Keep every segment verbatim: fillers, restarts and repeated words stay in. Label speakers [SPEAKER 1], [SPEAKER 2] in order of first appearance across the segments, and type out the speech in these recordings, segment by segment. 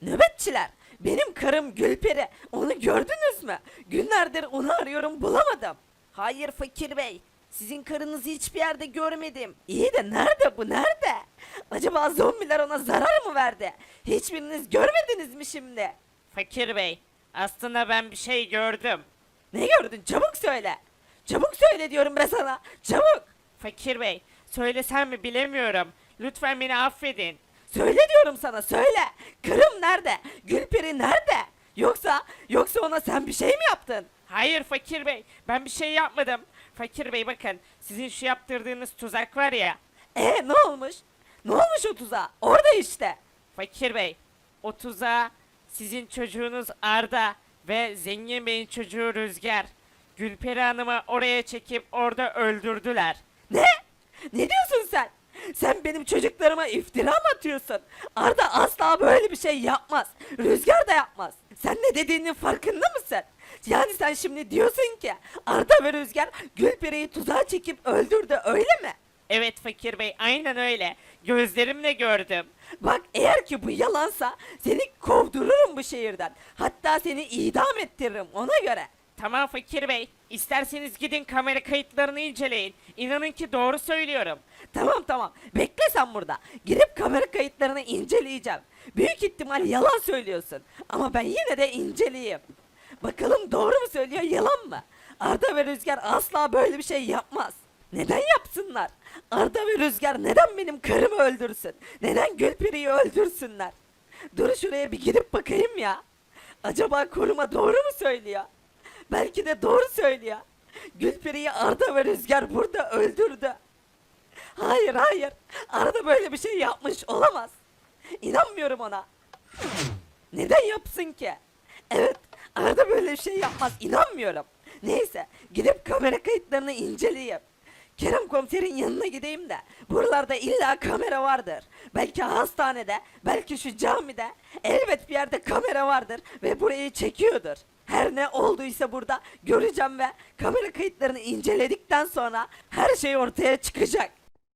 [SPEAKER 1] Nöbetçiler, benim karım Gülperi. Onu gördünüz mü? Günlerdir onu arıyorum, bulamadım. Hayır Fakir Bey. Sizin karınızı hiçbir yerde görmedim. İyi de nerede bu, nerede? Acaba zombiler ona zarar mı verdi? Hiçbiriniz görmediniz mi şimdi?
[SPEAKER 2] Fakir Bey, aslında ben bir şey gördüm.
[SPEAKER 1] Ne gördün? Çabuk söyle. Çabuk söyle diyorum ben sana. Çabuk.
[SPEAKER 2] Fakir Bey, söylesem mi bilemiyorum. Lütfen beni affedin.
[SPEAKER 1] Söyle diyorum sana, söyle. Karım nerede? Gülperi nerede? Yoksa, yoksa ona sen bir şey mi yaptın?
[SPEAKER 2] Hayır Fakir Bey, ben bir şey yapmadım. Fakir Bey bakın, sizin şu yaptırdığınız tuzak var ya.
[SPEAKER 1] E ne olmuş? Ne olmuş o tuzağa? Orada işte.
[SPEAKER 2] Fakir Bey, o tuzağa sizin çocuğunuz Arda ve Zengin Bey'in çocuğu Rüzgar, Gülperi Hanım'ı oraya çekip orada öldürdüler.
[SPEAKER 1] Ne? Ne diyorsun sen? Sen benim çocuklarıma iftira mı atıyorsun? Arda asla böyle bir şey yapmaz. Rüzgar da yapmaz. Sen ne dediğinin farkında mısın? Yani sen şimdi diyorsun ki Arda ve Rüzgar Gülperi'yi tuzağa çekip öldürdü, öyle mi?
[SPEAKER 2] Evet Fakir Bey, aynen öyle. Gözlerimle gördüm.
[SPEAKER 1] Bak eğer ki bu yalansa seni kovdururum bu şehirden. Hatta seni idam ettiririm ona göre.
[SPEAKER 2] Tamam Fakir Bey, isterseniz gidin kamera kayıtlarını inceleyin. İnanın ki doğru söylüyorum.
[SPEAKER 1] Tamam tamam, bekle sen burada. Girip kamera kayıtlarını inceleyeceğim. Büyük ihtimal yalan söylüyorsun. Ama ben yine de inceleyeyim. Bakalım doğru mu söylüyor, yalan mı? Arda ve Rüzgar asla böyle bir şey yapmaz. Neden yapsınlar? Arda ve Rüzgar neden benim karımı öldürsün? Neden Gülperi'yi öldürsünler? Dur şuraya bir gidip bakayım ya. Acaba koruma doğru mu söylüyor? Belki de doğru söylüyor. Gülperi'yi Arda ve Rüzgar burada öldürdü. Hayır hayır. Arda böyle bir şey yapmış olamaz. İnanmıyorum ona. Neden yapsın ki? Evet, Arda böyle bir şey yapmaz. İnanmıyorum. Neyse, gidip kamera kayıtlarını inceleyeyim. Kerem komiserin yanına gideyim de buralarda illa kamera vardır. Belki hastanede, belki şu camide elbet bir yerde kamera vardır ve burayı çekiyordur. Her ne olduysa burada göreceğim ve kamera kayıtlarını inceledikten sonra her şey ortaya çıkacak.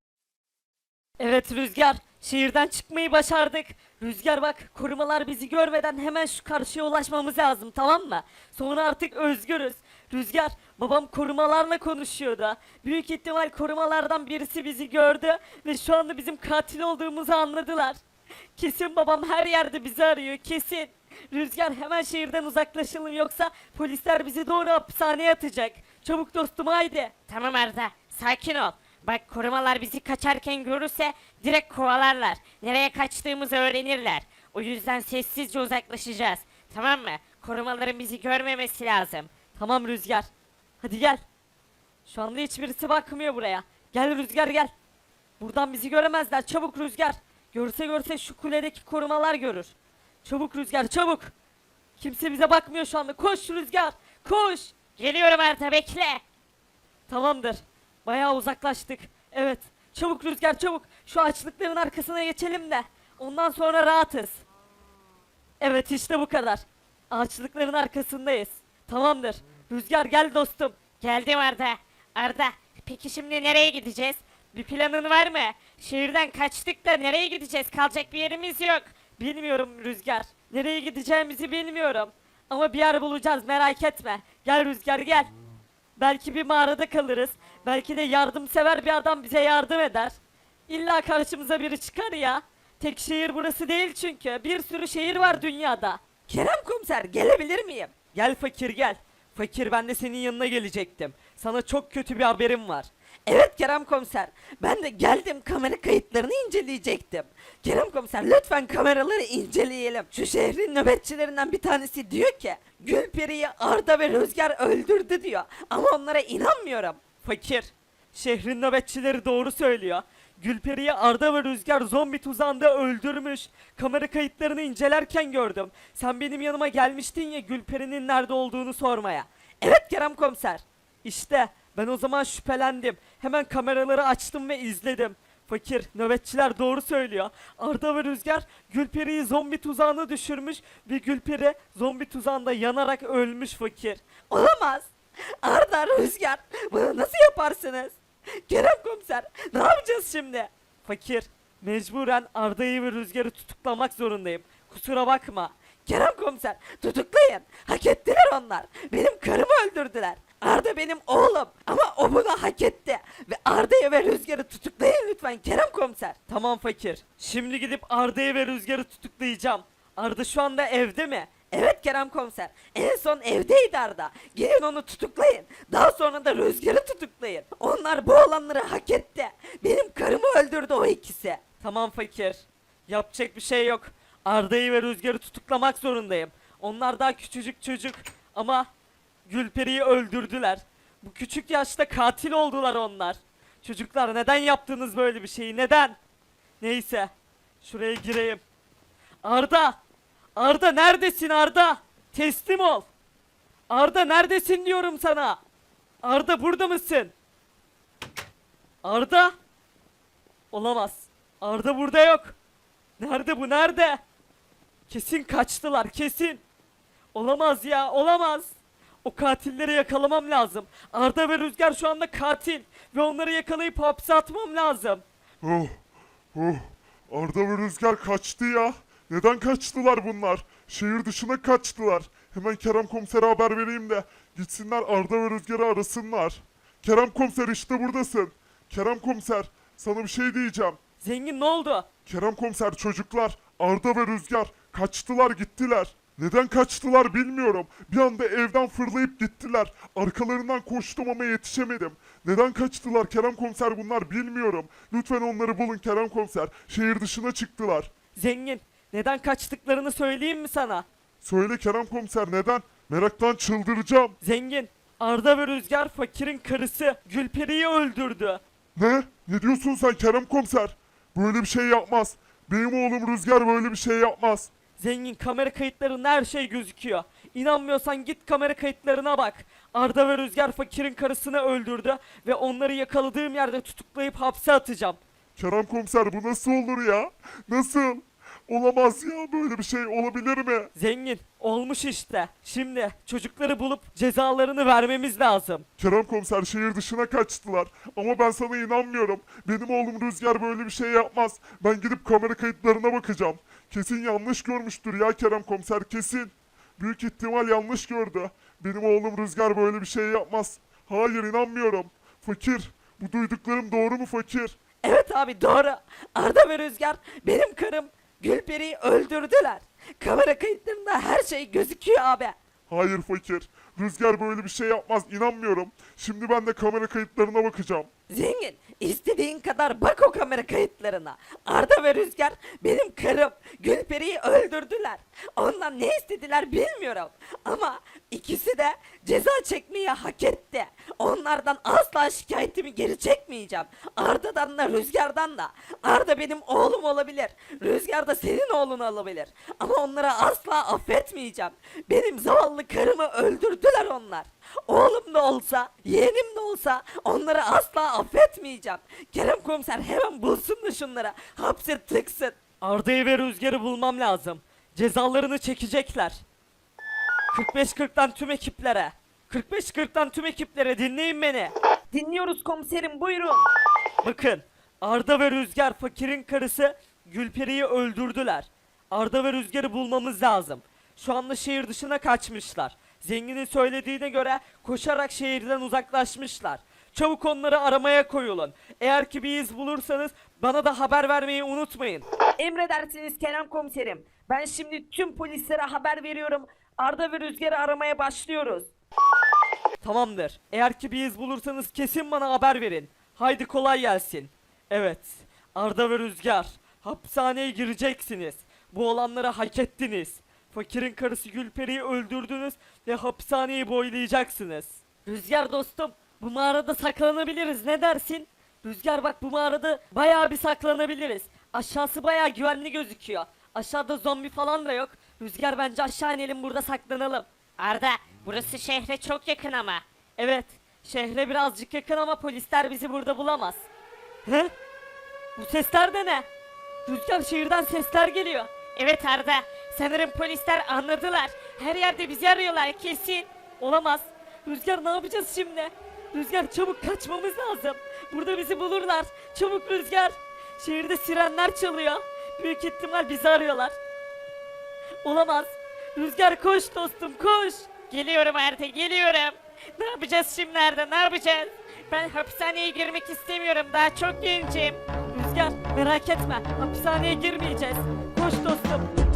[SPEAKER 3] Evet Rüzgar, şehirden çıkmayı başardık. Rüzgar bak, korumalar bizi görmeden hemen şu karşıya ulaşmamız lazım, tamam mı? Sonra artık özgürüz. Rüzgar, babam korumalarla konuşuyordu. Büyük ihtimal korumalardan birisi bizi gördü ve şu anda bizim katil olduğumuzu anladılar. Kesin babam her yerde bizi arıyor, kesin. Rüzgar, hemen şehirden uzaklaşalım yoksa polisler bizi doğru hapishaneye atacak. Çabuk dostum, haydi.
[SPEAKER 2] Tamam Arda, sakin ol. Bak korumalar bizi kaçarken görürse direkt kovalarlar. Nereye kaçtığımızı öğrenirler. O yüzden sessizce uzaklaşacağız. Tamam mı? Korumaların bizi görmemesi lazım.
[SPEAKER 3] Tamam Rüzgar. Hadi gel. Şu anda hiçbirisi bakmıyor buraya. Gel Rüzgar gel. Buradan bizi göremezler. Çabuk Rüzgar. Görse görse şu kuledeki korumalar görür. Çabuk Rüzgar çabuk. Kimse bize bakmıyor şu anda. Koş Rüzgar. Koş.
[SPEAKER 2] Geliyorum Arda, bekle.
[SPEAKER 3] Tamamdır. Bayağı uzaklaştık. Evet. Çabuk Rüzgar çabuk. Şu açlıkların arkasına geçelim de. Ondan sonra rahatız. Evet işte bu kadar. Ağaçlıkların arkasındayız. Tamamdır. Rüzgar gel dostum.
[SPEAKER 2] Geldim Arda. Arda, peki şimdi nereye gideceğiz? Bir planın var mı? Şehirden kaçtık da nereye gideceğiz? Kalacak bir yerimiz yok.
[SPEAKER 3] Bilmiyorum Rüzgar. Nereye gideceğimizi bilmiyorum. Ama bir yer bulacağız, merak etme. Gel Rüzgar gel. Belki bir mağarada kalırız. Belki de yardımsever bir adam bize yardım eder. İlla karşımıza biri çıkar ya. Tek şehir burası değil çünkü. Bir sürü şehir var dünyada.
[SPEAKER 1] Kerem komiser, gelebilir miyim?
[SPEAKER 3] Gel fakir gel. Fakir, ben de senin yanına gelecektim. Sana çok kötü bir haberim var.
[SPEAKER 1] Evet Kerem komiser, ben de geldim, kamera kayıtlarını inceleyecektim. Kerem komiser, lütfen kameraları inceleyelim. Şu şehrin nöbetçilerinden bir tanesi diyor ki Gülperi'yi Arda ve Rüzgar öldürdü diyor. Ama onlara inanmıyorum.
[SPEAKER 3] Fakir, şehrin nöbetçileri doğru söylüyor. Gülperi'yi Arda ve Rüzgar zombi tuzağında öldürmüş. Kamera kayıtlarını incelerken gördüm. Sen benim yanıma gelmiştin ya Gülperi'nin nerede olduğunu sormaya.
[SPEAKER 1] Evet Kerem komiser.
[SPEAKER 3] İşte ben o zaman şüphelendim. Hemen kameraları açtım ve izledim. Fakir, nöbetçiler doğru söylüyor. Arda ve Rüzgar Gülperi'yi zombi tuzağına düşürmüş ve Gülperi zombi tuzağında yanarak ölmüş fakir.
[SPEAKER 1] Olamaz. Arda, Rüzgar, bunu nasıl yaparsınız? Kerem komiser, ne yapacağız şimdi?
[SPEAKER 3] Fakir, mecburen Arda'yı ve Rüzgar'ı tutuklamak zorundayım. kusura bakma.
[SPEAKER 1] Kerem komiser tutuklayın. Hak ettiler onlar. Benim karımı öldürdüler. Arda benim oğlum ama o bunu hak etti. Ve Arda'yı ve Rüzgar'ı tutuklayın lütfen Kerem komiser.
[SPEAKER 3] Tamam fakir. Şimdi gidip Arda'yı ve Rüzgar'ı tutuklayacağım. Arda şu anda evde mi?
[SPEAKER 1] Evet Kerem komiser. En son evdeydi Arda. Gelin onu tutuklayın. Daha sonra da Rüzgar'ı tutuklayın. Onlar bu olanları hak etti. Benim karımı öldürdü o ikisi.
[SPEAKER 3] Tamam fakir. Yapacak bir şey yok. Arda'yı ve Rüzgar'ı tutuklamak zorundayım. Onlar daha küçücük çocuk ama Gülperi'yi öldürdüler. Bu küçük yaşta katil oldular onlar. Çocuklar neden yaptınız böyle bir şeyi? Neden? Neyse. Şuraya gireyim. Arda! Arda neredesin Arda? Teslim ol. Arda neredesin diyorum sana. Arda burada mısın? Arda? Olamaz. Arda burada yok. Nerede bu nerede? Kesin kaçtılar kesin. Olamaz ya olamaz. O katilleri yakalamam lazım. Arda ve Rüzgar şu anda katil. Ve onları yakalayıp hapse atmam lazım.
[SPEAKER 4] Oh, oh. Arda ve Rüzgar kaçtı ya. Neden kaçtılar bunlar? Şehir dışına kaçtılar. Hemen Kerem komisere haber vereyim de gitsinler Arda ve Rüzgar'ı arasınlar. Kerem komiser işte buradasın. Kerem komiser sana bir şey diyeceğim.
[SPEAKER 3] Zengin ne oldu?
[SPEAKER 4] Kerem komiser çocuklar Arda ve Rüzgar kaçtılar gittiler. Neden kaçtılar bilmiyorum. Bir anda evden fırlayıp gittiler. Arkalarından koştum ama yetişemedim. Neden kaçtılar Kerem komiser bunlar bilmiyorum. Lütfen onları bulun Kerem komiser. Şehir dışına çıktılar.
[SPEAKER 3] Zengin neden kaçtıklarını söyleyeyim mi sana?
[SPEAKER 4] Söyle Kerem komiser neden? Meraktan çıldıracağım.
[SPEAKER 3] Zengin Arda ve Rüzgar fakirin karısı Gülperi'yi öldürdü.
[SPEAKER 4] Ne? Ne diyorsun sen Kerem komiser? Böyle bir şey yapmaz. Benim oğlum Rüzgar böyle bir şey yapmaz.
[SPEAKER 3] Zengin kamera kayıtlarında her şey gözüküyor. İnanmıyorsan git kamera kayıtlarına bak. Arda ve Rüzgar fakirin karısını öldürdü ve onları yakaladığım yerde tutuklayıp hapse atacağım.
[SPEAKER 4] Kerem komiser bu nasıl olur ya? Nasıl? Olamaz ya böyle bir şey olabilir mi?
[SPEAKER 3] Zengin olmuş işte. Şimdi çocukları bulup cezalarını vermemiz lazım.
[SPEAKER 4] Kerem komiser şehir dışına kaçtılar. Ama ben sana inanmıyorum. Benim oğlum Rüzgar böyle bir şey yapmaz. Ben gidip kamera kayıtlarına bakacağım. Kesin yanlış görmüştür ya Kerem komiser kesin. Büyük ihtimal yanlış gördü. Benim oğlum Rüzgar böyle bir şey yapmaz. Hayır inanmıyorum. Fakir bu duyduklarım doğru mu fakir?
[SPEAKER 1] Evet abi doğru. Arda ve Rüzgar benim karım Gülperi'yi öldürdüler. Kamera kayıtlarında her şey gözüküyor abi.
[SPEAKER 4] Hayır fakir. Rüzgar böyle bir şey yapmaz inanmıyorum. Şimdi ben de kamera kayıtlarına bakacağım.
[SPEAKER 1] Zengin, istediğin kadar bak o kamera kayıtlarına. Arda ve Rüzgar benim karım Gülperi'yi öldürdüler. Ondan ne istediler bilmiyorum. Ama ikisi de ceza çekmeyi hak etti. Onlardan asla şikayetimi geri çekmeyeceğim. Arda'dan da Rüzgar'dan da. Arda benim oğlum olabilir. Rüzgar da senin oğlun olabilir. Ama onları asla affetmeyeceğim. Benim zavallı karımı öldürdüler onlar. Oğlum da olsa, yeğenim de olsa onları asla affetmeyeceğim. Kerem komiser hemen bulsun da şunları. Hapse tıksın.
[SPEAKER 3] Arda'yı ve Rüzgar'ı bulmam lazım. Cezalarını çekecekler. kırk beş kırktan tüm ekiplere. kırk beş kırktan tüm ekiplere dinleyin beni.
[SPEAKER 1] Dinliyoruz komiserim buyurun.
[SPEAKER 3] Bakın Arda ve Rüzgar fakirin karısı Gülperi'yi öldürdüler. Arda ve Rüzgar'ı bulmamız lazım. Şu anda şehir dışına kaçmışlar. Zenginin söylediğine göre koşarak şehirden uzaklaşmışlar. Çabuk onları aramaya koyulun. Eğer ki bir iz bulursanız bana da haber vermeyi unutmayın.
[SPEAKER 1] Emredersiniz Kerem komiserim. Ben şimdi tüm polislere haber veriyorum. Arda ve Rüzgar'ı aramaya başlıyoruz.
[SPEAKER 3] Tamamdır. Eğer ki bir iz bulursanız kesin bana haber verin. Haydi kolay gelsin. Evet. Arda ve Rüzgar. Hapishaneye gireceksiniz. Bu olanları hak ettiniz. Fakirin karısı Gülperi'yi öldürdünüz ve hapishaneyi boylayacaksınız. Rüzgar dostum, bu mağarada saklanabiliriz. Ne dersin? Rüzgar bak bu mağarada bayağı bir saklanabiliriz. Aşağısı bayağı güvenli gözüküyor. Aşağıda zombi falan da yok. Rüzgar bence aşağı inelim burada saklanalım.
[SPEAKER 2] Arda, burası şehre çok yakın ama.
[SPEAKER 3] Evet, şehre birazcık yakın ama polisler bizi burada bulamaz. He? Bu sesler de ne? Rüzgar şehirden sesler geliyor.
[SPEAKER 2] Evet Arda, sanırım polisler anladılar. Her yerde bizi arıyorlar kesin.
[SPEAKER 3] Olamaz. Rüzgar ne yapacağız şimdi? Rüzgar çabuk kaçmamız lazım. Burada bizi bulurlar. Çabuk Rüzgar. Şehirde sirenler çalıyor. Büyük ihtimal bizi arıyorlar. Olamaz. Rüzgar koş dostum koş.
[SPEAKER 2] Geliyorum Arda, geliyorum. Ne yapacağız şimdi Arda, ne yapacağız? Ben hapishaneye girmek istemiyorum, daha çok gencim.
[SPEAKER 3] Rüzgar merak etme hapishaneye girmeyeceğiz. Koş dostum.